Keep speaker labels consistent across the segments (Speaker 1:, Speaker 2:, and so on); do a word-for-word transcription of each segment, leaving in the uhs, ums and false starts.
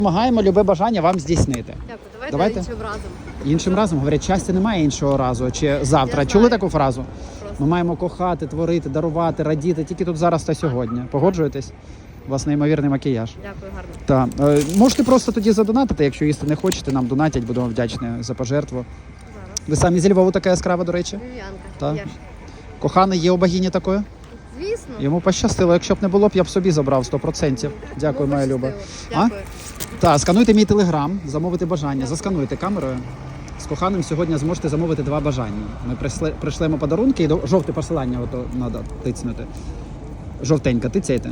Speaker 1: Допомагаємо любе бажання вам здійснити.
Speaker 2: Дякую, давайте,
Speaker 1: Давайте.
Speaker 2: іншим разом.
Speaker 1: Іншим разом, говорять, щастя немає іншого разу чи завтра. Чули таку фразу?
Speaker 2: Просто.
Speaker 1: Ми маємо кохати, творити, дарувати, радіти тільки тут зараз та сьогодні. Погоджуєтесь? У вас неймовірний макіяж.
Speaker 2: Дякую, гарно.
Speaker 1: Так. Е, можете просто тоді задонатити, якщо їсти не хочете, нам донатять, будемо вдячні за пожертву.
Speaker 2: Зараз.
Speaker 1: Ви самі зі Львову така яскрава, до речі?
Speaker 2: Вів'янка.
Speaker 1: Так.
Speaker 2: Є ж.
Speaker 1: Коханий є у богині такої?
Speaker 2: Звісно.
Speaker 1: Йому пощастило. Якщо б не було б, я б собі забрав сто відсотків. Дякую,
Speaker 2: Ну,
Speaker 1: моя Люба.
Speaker 2: пощастило. Дякую.
Speaker 1: Так, скануйте мій телеграм, замовити бажання, заскануйте камерою. З коханим сьогодні зможете замовити два бажання. Ми прийшли, прийшлемо подарунки і до жовте посилання ото треба тицнути. Жовтенька, тицяйте.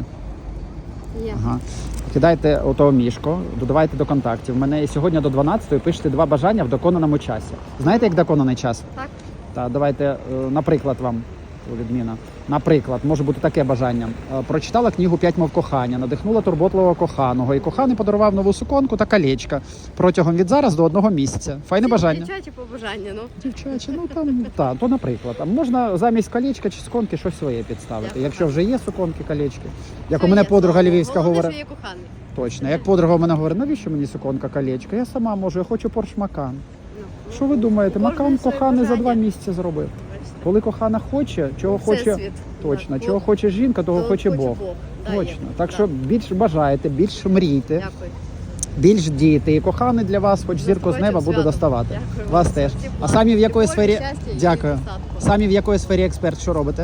Speaker 2: Є.
Speaker 1: Ага. Кидайте ото мішко, додавайте до контактів. Мене сьогодні до дванадцятої пишете два бажання в доконаному часі. Знаєте, як доконаний час?
Speaker 2: Так.
Speaker 1: Так, давайте, е, наприклад, вам відміна. Наприклад, може бути таке бажання. Е, Прочитала книгу «П'ять мов кохання», надихнула турботливого коханого, і коханий подарував нову суконку та колечко протягом від зараз до одного місяця. Файне бажання.
Speaker 2: Дівчачі побажання, ну.
Speaker 1: Дівчачі, ну там, та, то наприклад. А можна замість колечка чи суконки щось своє підставити.
Speaker 2: Дякую.
Speaker 1: Якщо вже є суконки, колечки. Як
Speaker 2: Все
Speaker 1: у мене
Speaker 2: є,
Speaker 1: подруга
Speaker 2: слава
Speaker 1: львівська
Speaker 2: Богу. Головне,
Speaker 1: говорить.
Speaker 2: що є коханий.
Speaker 1: Точно. Як подруга в мене говорить, навіщо мені суконка, колечко? Я сама можу, я хочу Порш Макан.
Speaker 2: Ну,
Speaker 1: Що ви думаєте?
Speaker 2: кожен
Speaker 1: Макан
Speaker 2: своє
Speaker 1: коханий за
Speaker 2: бажання.
Speaker 1: два місяці зробив.
Speaker 2: бачите.
Speaker 1: Коли кохана хоче, чого хоче
Speaker 2: Всесвіт.
Speaker 1: точно,
Speaker 2: Так,
Speaker 1: чого
Speaker 2: Бог.
Speaker 1: хоче жінка, того
Speaker 2: То
Speaker 1: хоче Бог.
Speaker 2: Да, є.
Speaker 1: Точно. Так
Speaker 2: Да.
Speaker 1: що більш бажаєте, більш мрійте,
Speaker 2: Дякую.
Speaker 1: більш дійте. І коханий для вас, хоч зірку з
Speaker 2: Наступаючим
Speaker 1: неба буде
Speaker 2: святом.
Speaker 1: доставати.
Speaker 2: Дякую.
Speaker 1: Вас теж.
Speaker 2: Тепла,
Speaker 1: А самі в якої
Speaker 2: любові,
Speaker 1: сфері?
Speaker 2: щастя і
Speaker 1: Дякую.
Speaker 2: достатку.
Speaker 1: Самі в якої сфері експерт? Що робите?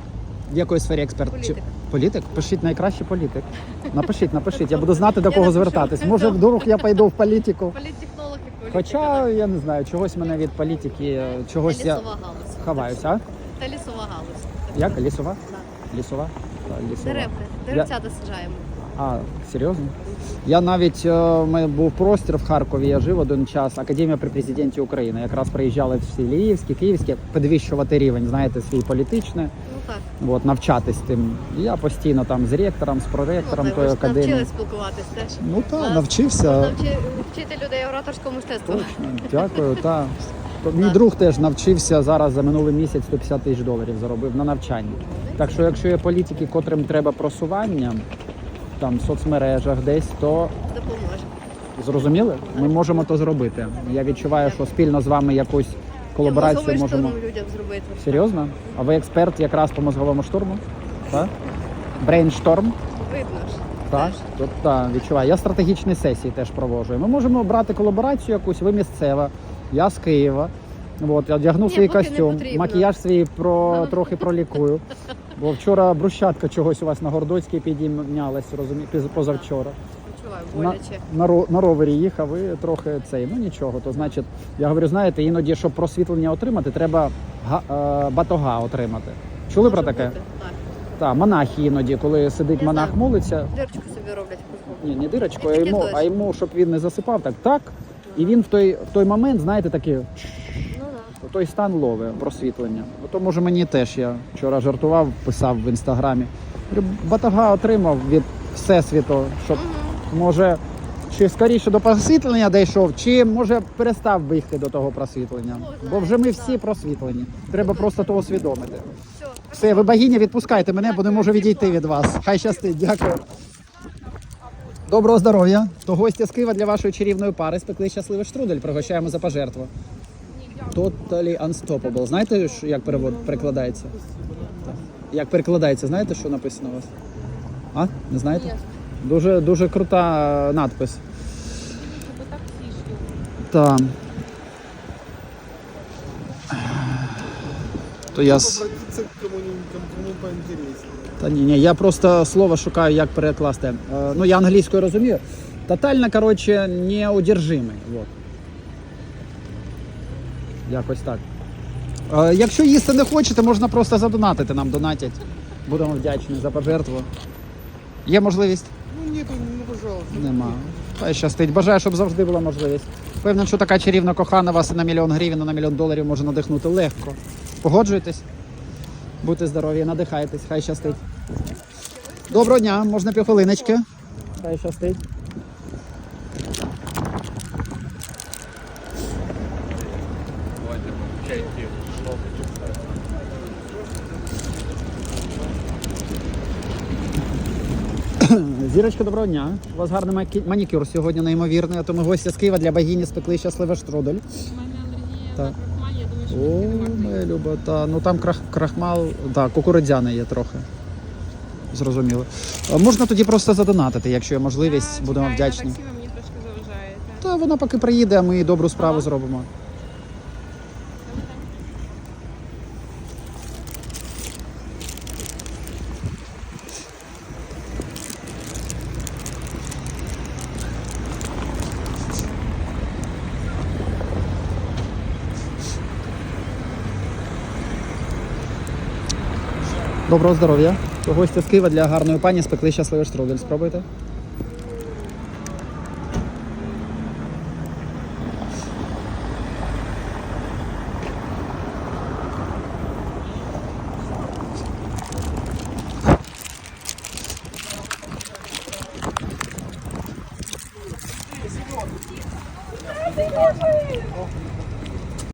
Speaker 1: В якої сфері експерт?
Speaker 2: Політик.
Speaker 1: Чи- Політик? Пишіть найкраще політик. Напишіть, напишіть. Я буду знати, до
Speaker 2: Я
Speaker 1: кого
Speaker 2: напишу.
Speaker 1: звертатись. Може, вдруг я пойду в політику.
Speaker 2: Політтехнолог і політика.
Speaker 1: Хоча, я не знаю, чогось мене від політики, чогось
Speaker 2: Та
Speaker 1: я
Speaker 2: лісова галузь.
Speaker 1: ховаюся. А?
Speaker 2: Та лісова галузь.
Speaker 1: Як? Лісова?
Speaker 2: Да.
Speaker 1: Лісова? Так, лісова.
Speaker 2: Деревки. Деревцята саджаємо.
Speaker 1: А, серйозно? Я навіть, е, у мене був простір в Харкові, я жив один час, Академія при президенті України. Якраз приїжджали всі Львівські, Київські, підвищувати рівень, знаєте, свій політичний,
Speaker 2: Ну так.
Speaker 1: от, навчатись тим. І я постійно там з ректором, з проректором
Speaker 2: Ну, так,
Speaker 1: тої
Speaker 2: ви ж
Speaker 1: академії.
Speaker 2: навчились спілкуватись теж.
Speaker 1: Ну так,
Speaker 2: Вас
Speaker 1: навчився.
Speaker 2: можна вчи- вчити людей ораторському мистецтву.
Speaker 1: Точно, дякую, так. Мій друг теж навчився зараз за минулий місяць сто п'ятдесят тисяч доларів заробив на навчанні. Так що якщо є політики, котрим треба просування, там в соцмережах десь, то
Speaker 2: Допоможе.
Speaker 1: зрозуміли? Ми можемо то зробити. Я відчуваю, що спільно з вами якусь колаборацію
Speaker 2: Мозговий
Speaker 1: можемо.
Speaker 2: штурм людям зробити.
Speaker 1: Серйозно? А ви експерт якраз по мозговому штурму? Так? Брейншторм?
Speaker 2: Видно ж.
Speaker 1: Так,
Speaker 2: Теж.
Speaker 1: тут так, відчуваю. Я стратегічні сесії теж проводжу. Ми можемо брати колаборацію якусь, ви місцева, я з Києва. От, я одягну
Speaker 2: Ні,
Speaker 1: свій
Speaker 2: поки не
Speaker 1: костюм,
Speaker 2: потрібно.
Speaker 1: макіяж свій про, трохи пролікую. Бо вчора брусчатка чогось у вас на Гордоцькій підійнялась, розумієте, позавчора.
Speaker 2: Почуваю,
Speaker 1: На,
Speaker 2: боляче.
Speaker 1: на, ро- на ровері їхав, ви трохи цей, ну нічого. То значить, я говорю, знаєте, іноді, щоб просвітлення отримати, треба га, е, батога отримати. Чули про
Speaker 2: Може
Speaker 1: таке?
Speaker 2: бути, Так.
Speaker 1: Так, монахи іноді, коли сидить
Speaker 2: Я
Speaker 1: монах,
Speaker 2: знаю.
Speaker 1: молиться,
Speaker 2: Дірочку собі роблять в мозку.
Speaker 1: ні, не дирочку, а
Speaker 2: Таке
Speaker 1: йому,
Speaker 2: теж.
Speaker 1: а йому, щоб він не засипав, так, так. І він в той, в той момент, знаєте, такий,
Speaker 2: Ну да.
Speaker 1: той стан ловить просвітлення. То може мені теж, я вчора жартував, писав в інстаграмі. Говорю, батога отримав від всесвіту, щоб може чи скоріше до просвітлення дійшов, чи може перестав бігти до того просвітлення. Бо вже ми всі просвітлені. Треба просто то усвідомити.
Speaker 2: Все.
Speaker 1: Все, ви богиня, відпускайте мене, бо не можу відійти від вас. Хай щастить, дякую. Доброго здоров'я. То гості з Києва для вашої чарівної пари спекли щасливий штрудель. Пригощаємо за пожертву. Totally unstoppable. Знаєте, що- як перевод перекладається? Так. Як перекладається, знаєте, що написано у вас? А? Не знаєте? Дуже, дуже крута надпис. Так. То я... с-
Speaker 3: Обратиться к кому-нибудь, кому поинтереснее.
Speaker 1: Та ні, ні, я просто слово шукаю, як перекласти. Е, ну, я англійською розумію. Тотально, коротше, неудержимий. Вот. Якось так. Е, якщо їсти не хочете, можна просто задонатити, нам донатять. Будемо вдячні за пожертву. Є можливість?
Speaker 3: Ну нету, ну пожалуйста.
Speaker 1: Нема. Хай щастить. Бажаю, щоб завжди була можливість. Певно, що така чарівна кохана вас і на мільйон гривень, і на мільйон доларів може надихнути легко. Погоджуєтесь? Будьте здорові, надихайтесь, хай щастить. Доброго дня, можна півхвилиночки? Хай щастить. Зірочка, доброго дня. У вас гарний макі- манікюр сьогодні неймовірний, а то ми гості з Києва для богині спекли щасливий штрудель.
Speaker 4: У мене алергія
Speaker 1: Так.
Speaker 4: на крахмаль, я думаю, що
Speaker 1: О,
Speaker 4: мені не варто.
Speaker 1: моя люба, та ну там крах, крахмал, так, кукурудзяний є трохи. Зрозуміло. А можна тоді просто задонатити, якщо є можливість,
Speaker 4: Я
Speaker 1: будемо
Speaker 4: чекаю,
Speaker 1: вдячні.
Speaker 4: на таксі, ви мені трошки заважаєте.
Speaker 1: Та вона поки приїде, а ми добру справу зробимо. Доброго здоров'я. Гості з Києва для гарної пані спекли щасливий штрудель. Спробуйте.